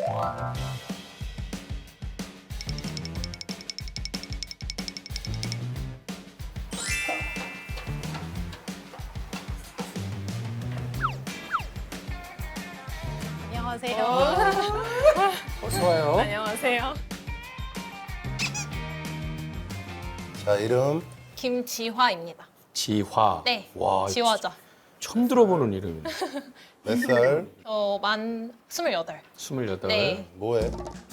안녕하세요. 어서 와요. 안녕하세요. 자, 이름. 김지화입니다. 지화. 네, 와, 지화자. 처음 들어보는 이름이네. 몇 살? 저 만 28. 28. 네, 뭐해?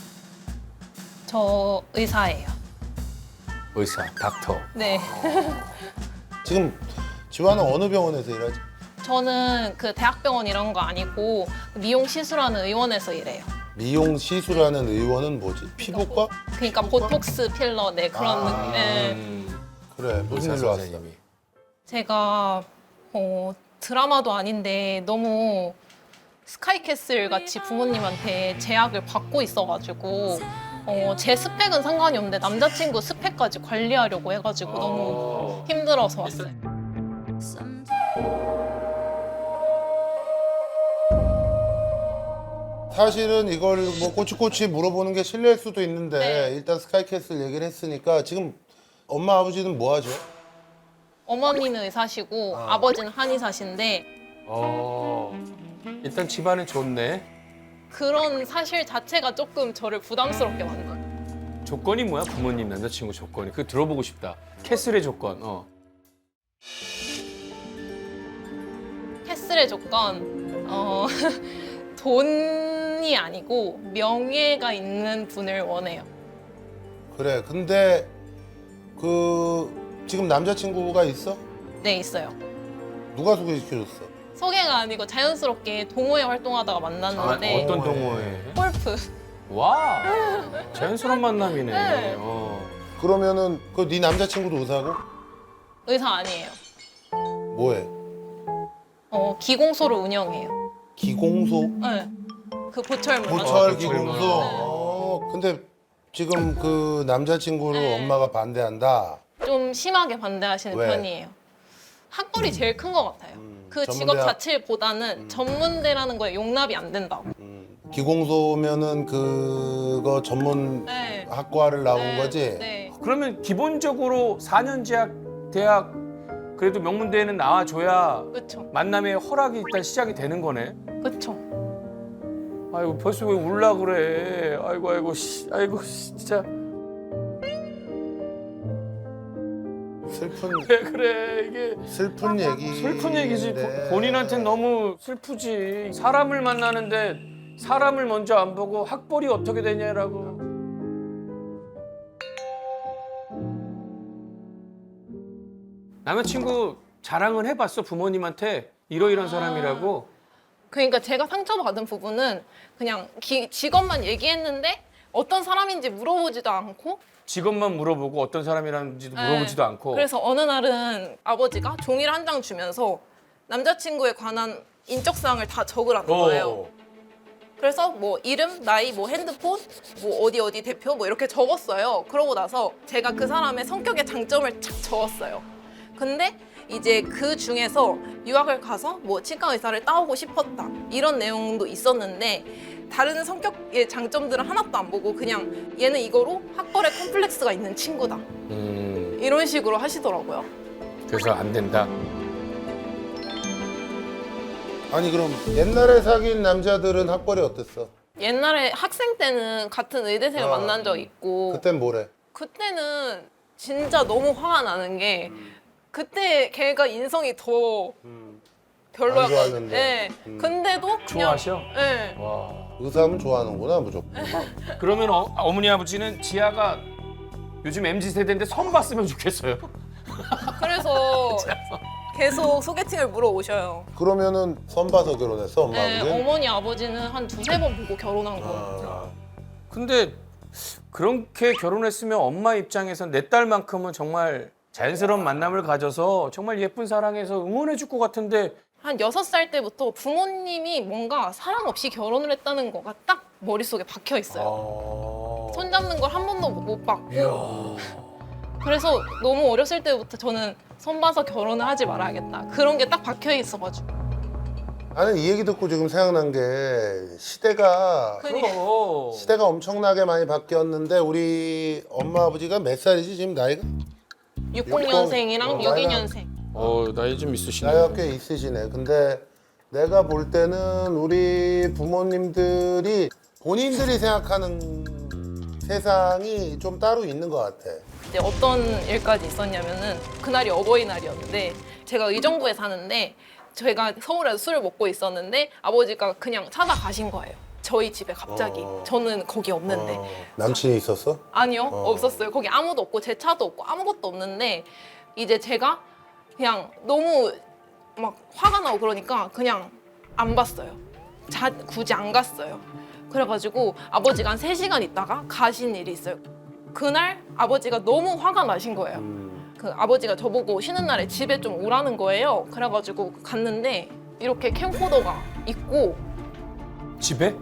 저 의사예요. 의사, 닥터. 네. 지금 지화는 어느 병원에서 일하지? 저는 그 대학병원 이런 거 아니고 미용 시술하는 의원에서 일해요. 미용 시술하는 의원은 뭐지? 피부과? 그러니까 보톡스, 필러, 네 그런 느낌. 네. 그래, 무슨 의사 일로 왔어? 선생님이. 제가 드라마도 아닌데 너무 스카이캐슬 같이 부모님한테 제약을 받고 있어가지고 제 스펙은 상관이 없는데 남자친구 스펙까지 관리하려고 해가지고 너무 힘들어서 왔어요. 사실은 이걸 뭐 꼬치꼬치 물어보는 게 실례일 수도 있는데 네. 일단 스카이캐슬 얘기를 했으니까 지금 엄마 아버지는 뭐 하죠? 어머니는 의사시고 아버지는 한의사신데 일단 집안은 좋네. 그런 사실 자체가 조금 저를 부담스럽게 만들어요. 조건이 뭐야? 부모님, 남자친구 조건이. 그거 들어보고 싶다. 캐슬의 조건. 캐슬의 조건 돈이 아니고 명예가 있는 분을 원해요. 그래, 근데 지금 남자친구가 있어? 네, 있어요. 누가 소개시켜줬어? 소개가 아니고 자연스럽게 동호회 활동하다가 만났는데 어떤 동호회. 동호회? 골프. 와, 자연스러운 만남이네. 네. 그러면은 네 남자친구도 의사고? 의사 아니에요. 뭐해? 기공소를 운영해요. 기공소? 네. 그 보철물. 보철 보철물. 기공소? 근데 지금 그 남자친구를 네. 엄마가 반대한다. 좀 심하게 반대하시는 왜? 편이에요. 학벌이 제일 큰 것 같아요. 그 직업 전문대학- 자체보다는 전문대라는 거에 용납이 안 된다고. 기공소면은 그거 전문 네. 학과를 나온 네, 거지? 네. 그러면 기본적으로 4년 제약 대학 그래도 명문대에는 나와줘야 그렇죠. 만남의 허락이 일단 시작이 되는 거네. 그렇죠. 아이고 벌써 왜 울라 그래. 아이고 진짜 슬픈 왜 그래 이게 슬픈 얘기. 슬픈 얘기지. 네. 본인한테는 너무 슬프지. 사람을 만나는데 사람을 먼저 안 보고 학벌이 어떻게 되냐라고. 남자친구 자랑은 해봤어 부모님한테 이러이러한 사람이라고. 그러니까 제가 상처받은 부분은 그냥 직업만 얘기했는데 어떤 사람인지 물어보지도 않고 직업만 물어보고 어떤 사람이라는지도 물어보지도 네. 않고. 그래서 어느 날은 아버지가 종이를 한 장 주면서 남자친구에 관한 인적사항을 다 적으라는 거예요. 그래서 뭐 이름, 나이, 뭐 핸드폰, 뭐 어디 대표 뭐 이렇게 적었어요. 그러고 나서 제가 그 사람의 성격의 장점을 착 적었어요. 근데 이제 그 중에서 유학을 가서 뭐 치과 의사를 따오고 싶었다 이런 내용도 있었는데 다른 성격의 장점들은 하나도 안 보고 그냥 얘는 이거로 학벌에 컴플렉스가 있는 친구다 이런 식으로 하시더라고요. 그래서 안 된다. 아니 그럼 옛날에 사귄 남자들은 학벌이 어땠어? 옛날에 학생 때는 같은 의대생을 만난 적 있고 그땐 뭐래? 그때는 진짜 너무 화가 나는 게 그때 걔가 인성이 더 안 별로였거든요. 좋았는데. 네. 근데도 그냥 좋아하셔? 네. 와. 의사하면 좋아하는구나 무조건. 그러면 어머니 아버지는 지아가 요즘 MZ 세대인데 선 봤으면 좋겠어요. 그래서 계속 소개팅을 물어오셔요. 그러면은 선 봐서 결혼했어 엄마 네, 아버지? 어머니 아버지는 한 두세 번 보고 결혼한 거예요. 아, 근데 그렇게 결혼했으면 엄마 입장에선 내 딸만큼은 정말 자연스러운 만남을 가져서 정말 예쁜 사랑해서 응원해 줄 것 같은데 한 6살 때부터 부모님이 뭔가 사랑 없이 결혼을 했다는 거가 딱 머릿속에 박혀 있어요. 손 잡는 걸 한 번도 못 봤고 그래서 너무 어렸을 때부터 저는 손 봐서 결혼을 하지 말아야겠다 그런 게 딱 박혀 있어가지고 나는 이 얘기 듣고 지금 생각난 게 시대가 시대가 엄청나게 많이 바뀌었는데 우리 엄마 아버지가 몇 살이지 지금 나이가? 60년생이랑 62년생. 나이 좀 있으시네. 나이가 꽤 있으시네. 근데 내가 볼 때는 우리 부모님들이 본인들이 생각하는 세상이 좀 따로 있는 것 같아. 이제 어떤 일까지 있었냐면은 그날이 어버이날이었는데 제가 의정부에 사는데 제가 서울에서 술을 먹고 있었는데 아버지가 그냥 찾아가신 거예요. 저희 집에 갑자기. 저는 거기 없는데. 남친이 있었어? 아니요, 없었어요. 거기 아무도 없고 제 차도 없고 아무것도 없는데 이제 제가 그냥 너무 막 화가 나고 그러니까 그냥 안 봤어요. 굳이 안 갔어요. 그래가지고 아버지가 한 3시간 있다가 가신 일이 있어요. 그날 아버지가 너무 화가 나신 거예요. 그 아버지가 저보고 쉬는 날에 집에 좀 오라는 거예요. 그래가지고 갔는데 이렇게 캠코더가 있고 집에?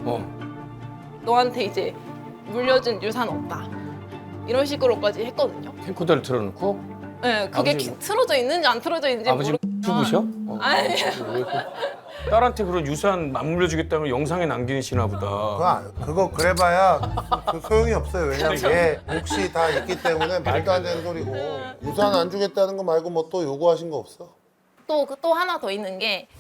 너한테 이제 물려준 유산 없다. 이런 식으로까지 했거든요. 캠코더를 틀어놓고 네, 그게 아버지 틀어져 있는지 안 틀어져 있는지 아버지 죽으셔? 아니. 왜 딸한테 그런 유산 안 물려주겠다면 영상에 남기시나 보다. 그거 그래봐야 그 소용이 없어요. 왜냐면 얘 몫이 다 있기 때문에 말도 안 되는 소리고 유산 안 주겠다는 거 말고 뭐 또 요구하신 거 없어? 또 하나 더 있는 게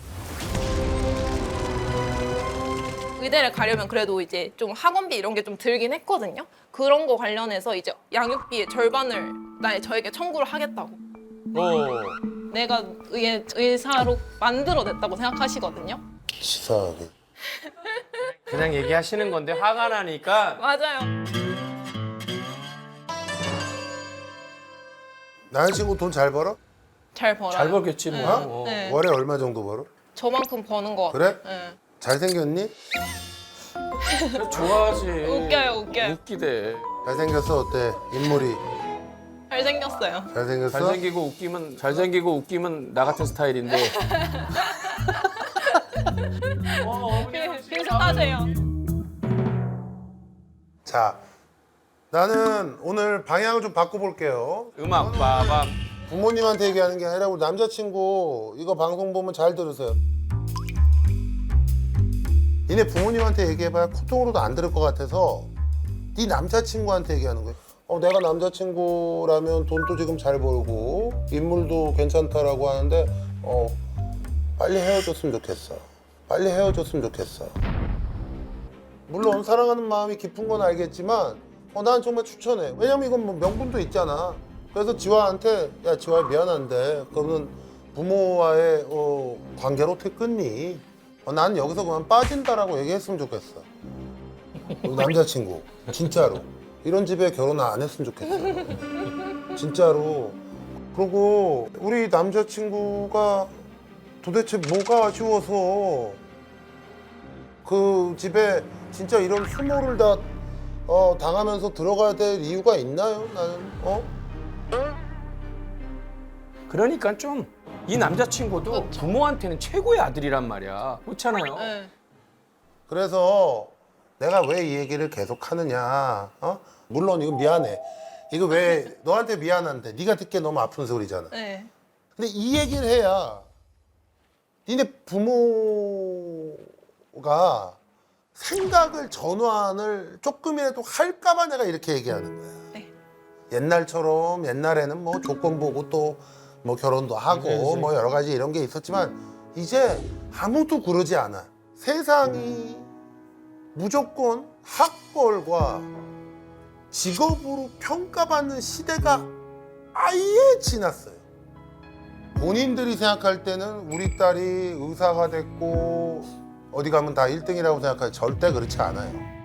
의대를 가려면 그래도 이제 좀 학원비 이런 게 좀 들긴 했거든요. 그런 거 관련해서 이제 양육비의 절반을 저에게 청구를 하겠다고. 내가 의사로 만들어냈다고 생각하시거든요. 치사하게. 그냥 얘기하시는 건데 화가 나니까 맞아요. 남자친구 돈 잘 벌어? 잘 벌어요. 잘 벌겠지 뭐. 어? 네. 월에 얼마 정도 벌어? 저만큼 버는 거 그래? 같아요. 네. 잘생겼니? 좋아하지. 웃겨요. 웃기대. 잘생겼어 어때? 인물이 잘생겼어요. 잘생겼어? 잘생기고 웃기면 나 같은 스타일인데. 비슷하세요. 자, 나는 오늘 방향을 좀 바꿔볼게요. 음악 빠밤. 부모님한테 얘기하는 게 아니라 우리 남자친구 이거 방송 보면 잘 들으세요. 니네 부모님한테 얘기해봐야 코통으로도 안 들을 것 같아서 네 남자친구한테 얘기하는 거예요. 내가 남자친구라면 돈도 지금 잘 벌고 인물도 괜찮다라고 하는데 빨리 헤어졌으면 좋겠어. 빨리 헤어졌으면 좋겠어. 물론 사랑하는 마음이 깊은 건 알겠지만 난 정말 추천해. 왜냐면 이건 뭐 명분도 있잖아. 그래서 지화한테 야 지화야 미안한데 그러면 부모와의 관계로 어떻게 끊니? 난 여기서 그만 빠진다라고 얘기했으면 좋겠어. 우리 남자친구 진짜로 이런 집에 결혼 안 했으면 좋겠어. 진짜로. 그리고 우리 남자친구가 도대체 뭐가 아쉬워서 그 집에 진짜 이런 수모를 다 당하면서 들어가야 될 이유가 있나요? 나는 그러니까 좀 이 남자친구도 그렇죠. 부모한테는 최고의 아들이란 말이야. 그렇잖아요. 네. 그래서 내가 왜 이 얘기를 계속 하느냐? 물론 이거 미안해. 이거 왜 너한테 미안한데 네가 듣기에 너무 아픈 소리잖아. 네. 근데 이 얘기를 해야 니네 부모가 생각을 전환을 조금이라도 할까봐 내가 이렇게 얘기하는 거야. 네. 옛날처럼 옛날에는 뭐 조건 보고 또 뭐 결혼도 하고 그치. 뭐 여러 가지 이런 게 있었지만 이제 아무도 그러지 않아. 세상이 무조건 학벌과 직업으로 평가받는 시대가 아예 지났어요. 본인들이 생각할 때는 우리 딸이 의사가 됐고 어디 가면 다 1등이라고 생각하지 절대 그렇지 않아요.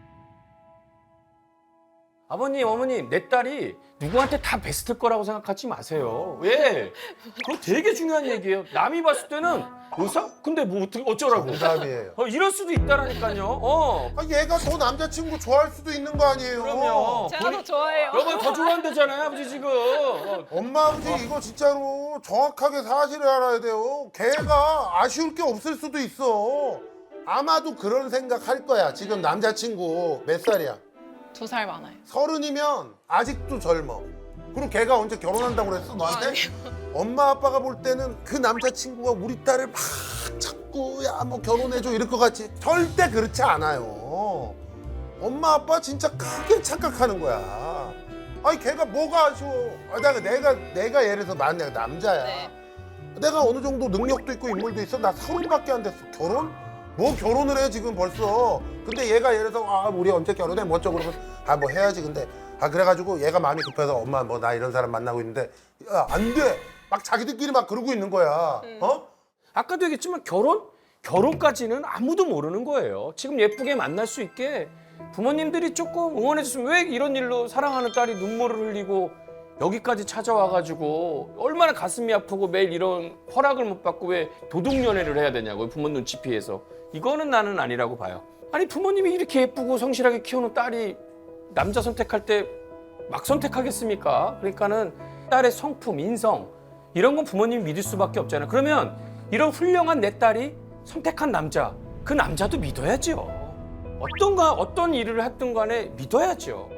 아버님, 어머님, 내 딸이 누구한테 다 베스트일 거라고 생각하지 마세요. 왜? 그거 되게 중요한 얘기예요. 남이 봤을 때는 의사? 근데 뭐 어쩌라고? 정답이에요. 이럴 수도 있다라니까요. 얘가 더 남자친구 좋아할 수도 있는 거 아니에요. 그럼요. 제가 더 좋아해요. 여보 더 좋아한다잖아요, 아버지 지금. 엄마 아버지 이거 진짜로 정확하게 사실을 알아야 돼요. 걔가 아쉬울 게 없을 수도 있어. 아마도 그런 생각 할 거야. 지금 남자친구 몇 살이야? 2살 많아요. 30이면 아직도 젊어. 그리고 걔가 언제 결혼한다고 그랬어 너한테? 아니요. 엄마 아빠가 볼 때는 그 남자친구가 우리 딸을 막 자꾸 야 뭐 결혼해줘 이럴 것 같지? 절대 그렇지 않아요. 엄마 아빠 진짜 크게 착각하는 거야. 아니 걔가 뭐가 아쉬워? 내가 예를 들어서 만약 남자야. 네. 내가 어느 정도 능력도 있고 인물도 있어. 나 30밖에 안 됐어. 결혼? 뭐 결혼을 해 지금 벌써. 근데 얘가 예를 들어서 아 우리 언제 결혼해? 뭐 어쩌고 그러면 아 뭐 해야지. 근데 아 그래가지고 얘가 마음이 급해서 엄마 뭐 나 이런 사람 만나고 있는데 야 안 돼. 막 자기들끼리 막 그러고 있는 거야. 어? 아까도 얘기했지만 결혼까지는 아무도 모르는 거예요. 지금 예쁘게 만날 수 있게 부모님들이 조금 응원해줬으면 왜 이런 일로 사랑하는 딸이 눈물을 흘리고 여기까지 찾아와가지고 얼마나 가슴이 아프고 매일 이런 허락을 못 받고 왜 도둑연애를 해야 되냐고요. 부모 눈치 피해서. 이거는 나는 아니라고 봐요. 아니 부모님이 이렇게 예쁘고 성실하게 키우는 딸이 남자 선택할 때 막 선택하겠습니까? 그러니까는 딸의 성품, 인성 이런 건 부모님이 믿을 수밖에 없잖아요. 그러면 이런 훌륭한 내 딸이 선택한 남자, 그 남자도 믿어야죠. 어떤 일을 했든 간에 믿어야죠.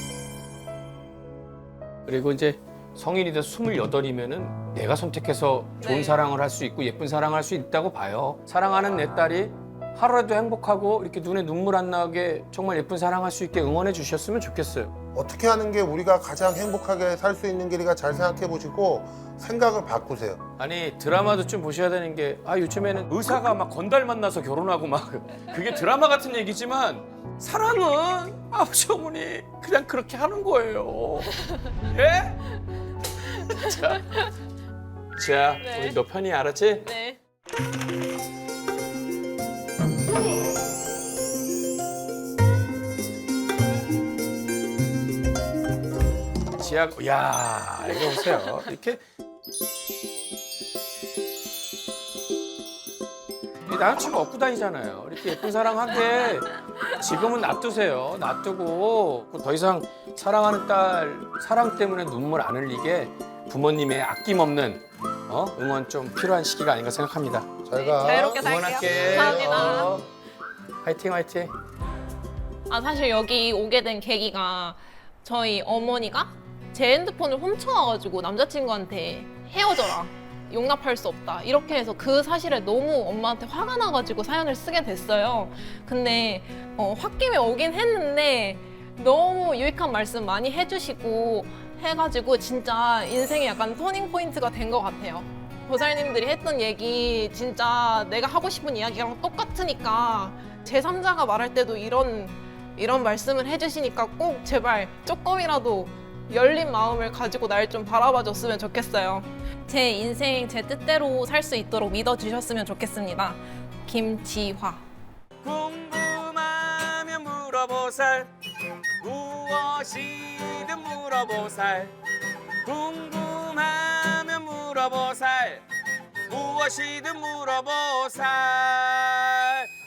그리고 이제 성인이 돼서 28이면은 내가 선택해서 좋은 네. 사랑을 할 수 있고 예쁜 사랑을 할 수 있다고 봐요. 사랑하는 내 딸이 하루라도 행복하고 이렇게 눈에 눈물 안 나게 정말 예쁜 사랑할 수 있게 응원해 주셨으면 좋겠어요. 어떻게 하는 게 우리가 가장 행복하게 살 수 있는 길이가 잘 생각해 보시고 생각을 바꾸세요. 아니 드라마도 좀 보셔야 되는 게 요즘에는 의사가 막 건달 만나서 결혼하고 막 그게 드라마 같은 얘기지만 사랑은 아버지 어머니 그냥 그렇게 하는 거예요. 예? 자 네. 우리 너 편히 알았지? 네. 지하 야 이거 보세요. 이렇게 이 남자친구 업고 다니잖아요. 이렇게 예쁜 사랑하게 지금은 놔두세요. 놔두고 더 이상 사랑하는 딸 사랑 때문에 눈물 안 흘리게 부모님의 아낌없는 응원 좀 필요한 시기가 아닌가 생각합니다. 잘 가. 자유롭게 살게요. 응원할게. 감사합니다. 화이팅 화이팅. 사실 여기 오게 된 계기가 저희 어머니가 제 핸드폰을 훔쳐와가지고 남자친구한테 헤어져라. 용납할 수 없다. 이렇게 해서 그 사실에 너무 엄마한테 화가 나가지고 사연을 쓰게 됐어요. 근데 홧김에 오긴 했는데 너무 유익한 말씀 많이 해주시고 해가지고 진짜 인생의 약간 터닝 포인트가 된 것 같아요. 보살님들이 했던 얘기 진짜 내가 하고 싶은 이야기랑 똑같으니까 제3자가 말할 때도 이런 말씀을 해주시니까 꼭 제발 조금이라도 열린 마음을 가지고 날 좀 바라봐 줬으면 좋겠어요. 제 인생 제 뜻대로 살 수 있도록 믿어주셨으면 좋겠습니다. 김지화. 궁금하면 물어보살 무엇이든 물어보살 궁금하면 물어보살 무엇이든 물어보살